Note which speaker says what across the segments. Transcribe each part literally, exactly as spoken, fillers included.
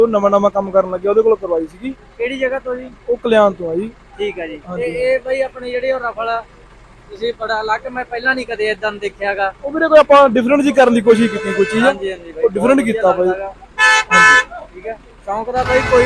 Speaker 1: ਉਹ ਨਵਾਂ ਨਵਾਂ ਕੰਮ ਕਰਨ ਲੱਗਿਆ, ਉਹਦੇ ਕੋਲ ਕਰਵਾਈ ਸੀਗੀ।
Speaker 2: ਕਿਹੜੀ ਜਗ੍ਹਾ ਤੋਂ ਜੀ?
Speaker 1: ਉਹ ਕਲਿਆਣ ਤੋਂ ਆ ਜੀ।
Speaker 2: ਠੀਕ ਹੈ ਜੀ। ਤੇ ਇਹ ਬਈ ਆਪਣੇ ਜਿਹੜੇ ਉਹ ਰਫਲ ਆ, ਤੁਸੀਂ ਬੜਾ ਅਲੱਗ, ਮੈਂ ਪਹਿਲਾਂ ਨਹੀਂ ਕਦੇ ਇਦਾਂ ਦੇਖਿਆਗਾ।
Speaker 1: ਉਹ ਵੀਰੇ ਕੋਈ ਆਪਾਂ ਡਿਫਰੈਂਟ ਜੀ ਕਰਨ ਦੀ ਕੋਸ਼ਿਸ਼ ਕੀਤੀ ਕੋਈ ਚੀਜ਼।
Speaker 2: ਹਾਂਜੀ ਹਾਂਜੀ ਬਾਈ,
Speaker 1: ਉਹ ਡਿਫਰੈਂਟ ਕੀਤਾ ਬਾਈ।
Speaker 2: ਹਾਂਜੀ ਠੀਕ ਹੈ, ਸ਼ੌਂਕ ਦਾ ਬਾਈ ਕੋਈ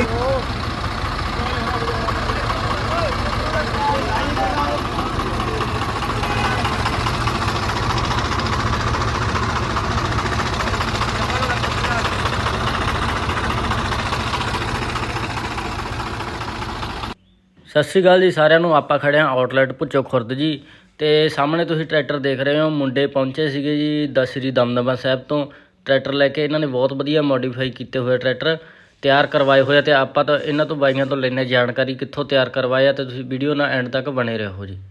Speaker 3: ਸਤਿ ਸ਼੍ਰੀ ਅਕਾਲ ਜੀ ਸਾਰਿਆਂ ਨੂੰ। ਆਪਾਂ ਖੜੇ ਹਾਂ ਆਊਟਲੈਟ ਭੁੱਚੋ ਖੁਰਦ ਜੀ, ਤੇ ਸਾਹਮਣੇ ਤੁਸੀਂ ਟਰੈਕਟਰ ਦੇਖ ਰਹੇ ਹੋ। ਮੁੰਡੇ ਪਹੁੰਚੇ ਸੀਗੇ ਜੀ ਦਸਰੀ ਦਮਦਮਾ ਸਾਹਿਬ ਤੋਂ ਟਰੈਕਟਰ ਲੈ ਕੇ। ਇਹਨਾਂ ਨੇ ਬਹੁਤ ਵਧੀਆ ਮੋਡੀਫਾਈ ਕੀਤੇ ਹੋਏ ਟਰੈਕਟਰ ਤਿਆਰ ਕਰਵਾਏ ਹੋਏ ਆ, ਤੇ ਆਪਾਂ ਤਾਂ ਇਹਨਾਂ ਤੋਂ ਬਾਈਆਂ ਤੋਂ ਲੈਣੇ ਜਾਣਕਾਰੀ ਕਿੱਥੋਂ ਤਿਆਰ ਕਰਵਾਏ ਆ, ਤੇ ਤੁਸੀਂ ਵੀਡੀਓ ਨਾਲ ਐਂਡ ਤੱਕ ਬਣੇ ਰਹੋ ਜੀ।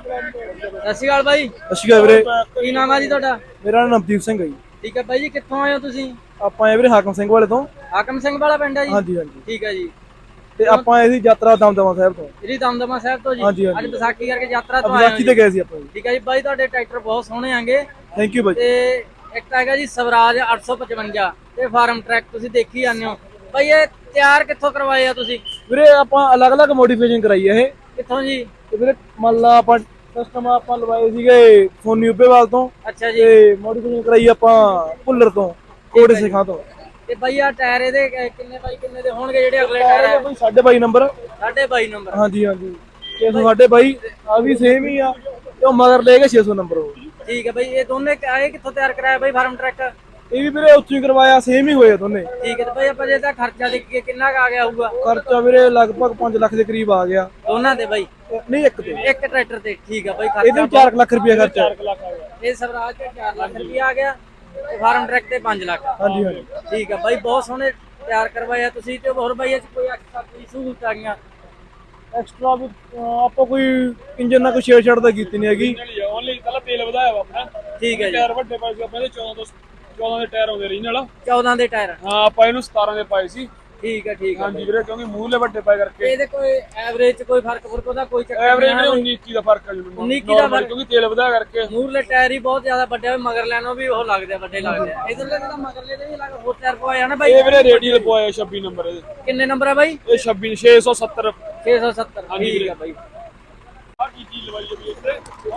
Speaker 2: ਸਤਿ ਸ਼੍ਰੀ ਅਕਾਲ ਬਾਈ।
Speaker 1: ਸਤਿ ਸ਼੍ਰੀ ਅਕਾਲ ਵੀਰੇ।
Speaker 2: ਕੀ ਨਾਮ ਆ ਜੀ ਤੁਹਾਡਾ?
Speaker 1: ਮੇਰਾ ਨਾਮ ਨਵਦੀਪ ਸਿੰਘ ਹੈ ਜੀ।
Speaker 2: ਠੀਕ ਹੈ ਬਾਈ ਜੀ, ਕਿੱਥੋਂ ਆਏ ਹੋ ਤੁਸੀਂ?
Speaker 1: ਆਪਾਂ ਆਏ ਵੀਰੇ ਹਾਕਮ ਸਿੰਘ ਵਾਲੇ ਤੋਂ।
Speaker 2: ਹਾਕਮ ਸਿੰਘ ਵਾਲਾ ਪਿੰਡ ਹੈ ਜੀ?
Speaker 1: ਹਾਂਜੀ ਹਾਂਜੀ।
Speaker 2: ਠੀਕ ਹੈ ਜੀ।
Speaker 1: ਤੇ ਆਪਾਂ ਆਏ ਸੀ ਯਾਤਰਾ ਦਮਦਮਾ ਸਾਹਿਬ ਤੋਂ।
Speaker 2: ਜਿਹੜੀ ਦਮਦਮਾ ਸਾਹਿਬ ਤੋਂ ਜੀ?
Speaker 1: ਹਾਂਜੀ ਹਾਂਜੀ।
Speaker 2: ਅੱਜ ਵਿਸਾਖੀ ਕਰਕੇ ਯਾਤਰਾ ਤੋਂ ਆਏ
Speaker 1: ਵਿਸਾਖੀ ਤੇ ਗਏ ਸੀ ਆਪਾਂ ਜੀ।
Speaker 2: ਠੀਕ ਹੈ ਜੀ ਬਾਈ, ਤੁਹਾਡੇ ਟਰੈਕਟਰ ਬਹੁਤ ਸੋਹਣੇ ਆਂਗੇ।
Speaker 1: ਥੈਂਕ ਯੂ ਬਾਈ।
Speaker 2: ਤੇ ਇੱਕ ਹੈਗਾ ਜੀ ਸਵਰਾਜ ਅੱਠ ਸੌ ਪਚਵੰਜਾ ਤੇ ਫਾਰਮ ਟਰੈਕ, ਤੁਸੀਂ ਦੇਖੀ ਜਾਂਦੇ ਹੋ ਬਾਈ। ਇਹ ਤਿਆਰ ਕਿੱਥੋਂ ਕਰਵਾਏ ਆ ਤੁਸੀਂ?
Speaker 1: ਵੀਰੇ ਆਪਾਂ ਅਲੱਗ-ਅਲੱਗ ਮੋਡੀਫਿਕੇਸ਼ਨ ਕਰਾਈ ਹੈ ਇਹ।
Speaker 2: ਕਿੱਥੋਂ ਜੀ?
Speaker 1: ਤੇ ਵੀਰੇ ਮੰਨ ਲਾ ਆਪਾਂ ਕਸਟਮ ਆਪਾਂ ਲਵਾਏ ਸੀਗੇ ਸੋਨੀ ਉੱਪੇਵਾਲ ਤੋਂ।
Speaker 2: ਅੱਛਾ ਜੀ।
Speaker 1: ਤੇ ਮੋਡੀਫਿਕੇਸ਼ਨ ਕਰਾਈ ਆਪਾਂ ਭੁੱਲਰ ਤੋਂ, ਕੋੜੇ ਸਿੱਖਾਂ ਤੋਂ।
Speaker 2: ਤੇ ਬਾਈ ਆ ਟਾਇਰ ਇਹਦੇ ਕਿੰਨੇ ਬਾਈ ਕਿੰਨੇ ਦੇ ਹੋਣਗੇ ਜਿਹੜੇ ਅਗਲੇ ਟਾਇਰ ਆ?
Speaker 1: ਕੋਈ ਸਾਢੇ ਬਾਈ ਨੰਬਰ।
Speaker 2: ਸਾਢੇ ਬਾਈ ਨੰਬਰ?
Speaker 1: ਹਾਂਜੀ ਹਾਂਜੀ। ਛੇ ਸੌ ਸਾਢੇ ਬਾਈ ਆ ਵੀ ਸੇਮ ਹੀ ਆ, ਤੇ ਉਹ ਮਗਰ ਲੈ ਕੇ ਛੇ ਸੌ ਨੰਬਰ ਉਹ।
Speaker 2: ਠੀਕ ਹੈ ਬਾਈ। ਇਹ ਦੋਨੇ ਆਏ ਕਿੱਥੋਂ ਤਿਆਰ ਕਰਾਇਆ ਬਾਈ ਫਾਰਮ ਟਰੈਕ?
Speaker 1: ਇਹ ਵੀ ਵੀਰੇ ਉੱਥੋਂ ਹੀ ਕਰਵਾਇਆ, ਸੇਮ ਹੀ ਹੋਏ ਦੋਨੇ।
Speaker 2: ਠੀਕ ਹੈ। ਤੇ ਬਾਈ ਆਪਾਂ ਜੇ ਇਹਦਾ ਖਰਚਾ ਦੇਖੀਏ ਕਿੰਨਾ ਕੁ ਆ ਗਿਆ ਹੋਊਗਾ?
Speaker 1: ਖਰਚਾ ਵੀਰੇ ਲਗਭਗ ਪੰਜ ਲੱਖ ਦੇ ਕਰੀਬ ਆ ਗਿਆ
Speaker 2: ਦੋਨਾਂ ਤੇ ਬਾਈ?
Speaker 1: ਨਹੀਂ, ਇੱਕ ਤੇ।
Speaker 2: ਇੱਕ ਟਰੈਕਟਰ ਤੇ? ਠੀਕ ਹੈ ਬਾਈ।
Speaker 1: ਇਹਦੇ ਵੀ ਚਾਰ ਲੱਖ ਰੁਪਏ ਖਰਚਾ।
Speaker 2: ਇਹ ਸਵਰਾਜ ਤੇ ਚਾਰ ਲੱਖ ਰੁਪਏ ਆ ਗਿਆ, ਤੇ ਫਾਰਮ ਟਰੈਕ ਤੇ ਪੰਜ ਲੱਖ।
Speaker 1: ਹਾਂਜੀ ਹਾਂਜੀ।
Speaker 2: ਠੀਕ ਹੈ ਬਾਈ, ਬਹੁਤ ਸੋਹਣੇ ਤਿਆਰ ਕਰਵਾਇਆ ਤੁਸੀਂ। ਤੇ ਹੋਰ ਬਾਈ ਇਹ ਚ ਕੋਈ ਐਕਸਟਰਾ ਕੋਈ ਸਹੂਲਤ ਆ ਗਈਆਂ?
Speaker 1: ਐਕਸਟਰਾ ਵੀ ਆਪਾਂ ਕੋਈ ਇੰਜਨ ਨਾਲ ਕੋਈ ਛੇੜ ਛਾੜ ਤਾਂ ਕੀਤੀ ਨਹੀਂ ਹੈਗੀ।
Speaker 4: ਓਨਲੀ ਪਹਿਲਾਂ ਤੇਲ ਵਧਾਇਆ ਵਾ ਆਪਣਾ।
Speaker 2: ਠੀਕ ਹੈ ਜੀ।
Speaker 4: ਟਾਇਰ ਵੱਡੇ ਪਾਏ ਸੀ ਆਪਾਂ ਦੇ ਚੌਦਾਂ ਤੋਂ ਚੌਦਾਂ ਦੇ ਟਾਇਰ ਆਉਂਦੇ ਰੀਜਨਲ।
Speaker 2: ਚੌਦਾਂ ਦੇ ਟਾਇਰ?
Speaker 4: ਹਾਂ, ਆਪਾਂ ਇਹਨੂੰ ਸਤਾਰਾਂ ਦੇ ਪਾਏ ਸੀ।
Speaker 2: ਠੀਕ ਹੈ ਠੀਕ ਹੈ।
Speaker 4: ਹਾਂਜੀ ਵੀਰੇ, ਕਿਉਂਕਿ ਮੂਹਰਲੇ ਵੱਡੇ ਪਾਏ ਕਰਕੇ
Speaker 2: ਇਹਦੇ ਕੋਈ ਐਵਰੇਜ ਚ ਕੋਈ ਫਰਕ ਫਰਕ ਉਹਦਾ ਕੋਈ ਚੱਕਰ
Speaker 4: ਐਵਰੇਜ ਵੀਰੇ ਉੱਨੀ ਇੱਕੀ ਦਾ ਫਰਕ ਆ ਜੀ।
Speaker 2: ਉੱਨੀ ਇੱਕੀ ਦਾ ਫਰਕ?
Speaker 4: ਕਿਉਂਕਿ ਤੇਲ ਵਧਾਇਆ ਕਰਕੇ।
Speaker 2: ਮੂਹਰਲੇ ਟਾਇਰ ਹੀ ਬਹੁਤ ਜ਼ਿਆਦਾ ਵੱਡੇ ਹੋਏ, ਮਗਰ ਲੈਣੋਂ ਵੀ ਉਹ ਲੱਗਦੇ ਆ ਵੱਡੇ ਲੱਗਦੇ ਆ। ਇਧਰਲੇ ਤਾਂ ਮਗਰਲੇ ਦੇ ਵੀ ਲੱਗ ਹੋਰ ਟਾਇਰ ਪਵਾਇਆ ਨਾ ਬਾਈ?
Speaker 4: ਇਹ ਵੀਰੇ ਰੇਡੀਅਲ ਪਵਾਇਆ ਛੱਬੀ ਨੰਬਰ ਇਹਦੇ।
Speaker 2: ਕਿੰਨੇ ਨੰਬਰ ਆ ਬਾਈ?
Speaker 4: ਇਹ ਛੱਬੀ ਛੇ ਸੌ ਸੱਤਰ।
Speaker 2: ਛੇ ਸੌ ਸੱਤਰ। ਠੀਕ ਹੈ ਬਾਈ।
Speaker 4: ਆ ਕੀ ਚੀਜ਼ ਲਵਾਈ ਹੈ ਵੀ ਇੱਥੇ?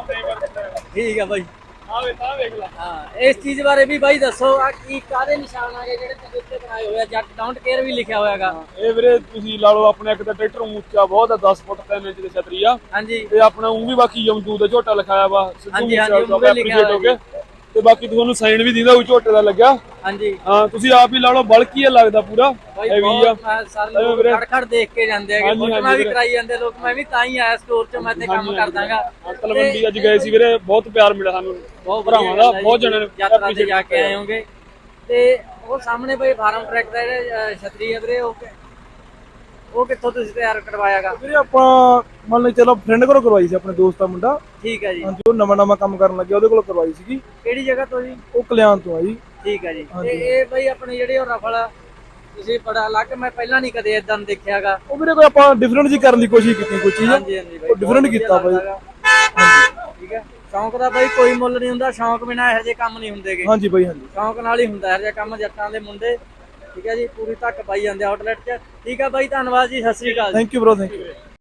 Speaker 2: ਠੀਕ ਹੈ ਬਾਈ।
Speaker 4: ਆ ਵੇ ਤਾਂ ਵੇਖ ਲੈ।
Speaker 2: ਹਾਂ, ਇਸ ਚੀਜ਼ ਬਾਰੇ ਵੀ ਬਾਈ ਦੱਸੋ। ਆ ਕੀ ਕਾਹਦੇ ਨਿਸ਼ਾਨ ਆ ਗਏ ਜਿਹੜੇ ਤੁਸੀਂ ਉੱਤੇ ਬਣਾਏ ਹੋਏ ਆ? ਜੱਟ ਡੋਂਟ ਕੇਅਰ ਵੀ ਲਿਖਿਆ ਹੋਇਆਗਾ।
Speaker 4: ਇਹ ਵੀਰੇ ਤੁਸੀਂ ਲਾ ਲਓ, ਆਪਣੇ ਇੱਕ ਤਾਂ ਟਰੈਕਟਰ ਉੱਚਾ ਬਹੁਤ ਆ, ਦਸ ਫੁੱਟ ਤਿੰਨ ਇੰਚ ਦੀ ਛਤਰੀ ਆ।
Speaker 2: ਹਾਂਜੀ।
Speaker 4: ਤੇ ਆਪਣਾ ਉਹ ਵੀ ਬਾਕੀ ਯਮਦੂ ਦਾ ਝੋਟਾ ਲਿਖਾਇਆ ਵਾ।
Speaker 2: ਹਾਂਜੀ ਹਾਂਜੀ, ਉਹ ਵੀ ਲਿਖਿਆ ਹੋਇਆ।
Speaker 4: ਤੇ ਬਾਕੀ ਤੁਹਾਨੂੰ ਸਾਈਨ ਵੀ ਦਿੰਦਾ ਉਹ ਝੋਟੇ ਦਾ ਲੱਗਿਆ।
Speaker 2: ਹਾਂਜੀ
Speaker 4: ਹਾਂ, ਤੁਸੀਂ ਆਪ ਹੀ ਲਾ ਲਓ, ਬਲਕੀ ਆ ਲੱਗਦਾ ਪੂਰਾ ਹੈਵੀ ਆ।
Speaker 2: ਸਾਰੇ ਲੋਕ ਖੜ ਖੜ ਦੇਖ ਕੇ ਜਾਂਦੇ ਹੈਗੇ, ਫੋਟੋਆਂ ਵੀ ਕਰਾਈ ਜਾਂਦੇ ਲੋਕ। ਮੈਂ ਵੀ ਤਾਂ ਹੀ ਆਇਆ ਸਟੋਰ 'ਚ, ਮੈਂ ਤੇ ਕੰਮ ਕਰਦਾਗਾ।
Speaker 4: ਤਲਵੰਡੀ ਅੱਜ ਗਏ ਸੀ ਵੀਰੇ, ਬਹੁਤ ਪਿਆਰ ਮਿਲਿਆ ਸਾਨੂੰ ਭਰਾਵਾਂ ਦਾ, ਬਹੁਤ ਜਣਿਆਂ ਨੇ
Speaker 2: ਯਾਤਰਾ ਤੇ ਜਾ ਕੇ ਆਏ ਹੋਗੇ। ਤੇ ਉਹ ਸਾਹਮਣੇ ਬਈ ਫਾਰਮ ਟਰੈਕ ਦਾ ਜਿਹੜਾ ਛਤਰੀ ਹੈ ਵੀਰੇ, ਉਹ ਉਹ ਕਿੱਥੋਂ ਤੁਸੀਂ ਤਿਆਰ ਕਰਵਾਇਆਗਾ?
Speaker 1: ਵੀਰੇ ਆਪਾਂ ਮੰਨ ਲਓ ਚਲੋ ਫਰੈਂਡ ਕੋਲੋਂ ਕਰਵਾਈ ਸੀ, ਆਪਣੇ ਦੋਸਤ ਦਾ ਮੁੰਡਾ।
Speaker 2: ਠੀਕ ਹੈ ਜੀ।
Speaker 1: ਹਾਂਜੀ, ਉਹ ਨਵਾਂ ਨਵਾਂ ਕੰਮ ਕਰਨ ਲੱਗਿਆ, ਉਹਦੇ ਕੋਲ ਕਰਵਾਈ ਸੀਗੀ।
Speaker 2: ਕਿਹੜੀ ਜਗ੍ਹਾ ਤੋਂ ਜੀ?
Speaker 1: ਉਹ ਕਲਿਆਣ ਤੋਂ ਆ ਜੀ।
Speaker 2: ਠੀਕ ਹੈ ਜੀ। ਤੇ ਇਹ ਬਈ ਆਪਣੇ ਜਿਹੜੇ ਉਹ ਰਫਲ ਆ, ਤੁਸੀਂ ਬੜਾ ਅਲੱਗ, ਮੈਂ ਪਹਿਲਾਂ ਨਹੀਂ ਕਦੇ ਇਦਾਂ ਦੇਖਿਆਗਾ।
Speaker 1: ਉਹ ਵੀਰੇ ਕੋਈ ਆਪਾਂ ਡਿਫਰੈਂਟ ਜੀ ਕਰਨ ਦੀ ਕੋਸ਼ਿਸ਼ ਕੀਤੀ ਕੋਈ ਚੀਜ਼।
Speaker 2: ਹਾਂਜੀ ਹਾਂਜੀ ਬਾਈ,
Speaker 1: ਉਹ ਡਿਫਰੈਂਟ ਕੀਤਾ ਬਾਈ।
Speaker 2: ਠੀਕ ਹੈ। ਸ਼ੌਂਕ ਦਾ ਬਾਈ ਕੋਈ ਮੁੱਲ ਨਹੀਂ ਹੁੰਦਾ, ਸ਼ੌਂਕ ਬਿਨਾਂ ਇਹੋ ਜਿਹੇ ਕੰਮ ਨਹੀਂ ਹੁੰਦੇਗੇ।
Speaker 1: ਹਾਂਜੀ ਬਾਈ ਹਾਂਜੀ।
Speaker 2: ਸ਼ੌਂਕ ਨਾਲ ਹੀ ਹੁੰਦਾ ਇਹੋ ਜਿਹਾ ਕੰਮ, ਜੱਟਾਂ ਦੇ ਮੁੰਡੇ। ਠੀਕ ਹੈ ਜੀ, ਪੂਰੀ ਧੱਕ ਪਾਈ ਜਾਂਦੇ ਆਊਟਲੈਟ 'ਚ। ਠੀਕ ਹੈ ਬਾਈ, ਧੰਨਵਾਦ ਜੀ, ਸਤਿ ਸ੍ਰੀ ਅਕਾਲ।
Speaker 1: Thank you bro, thank you.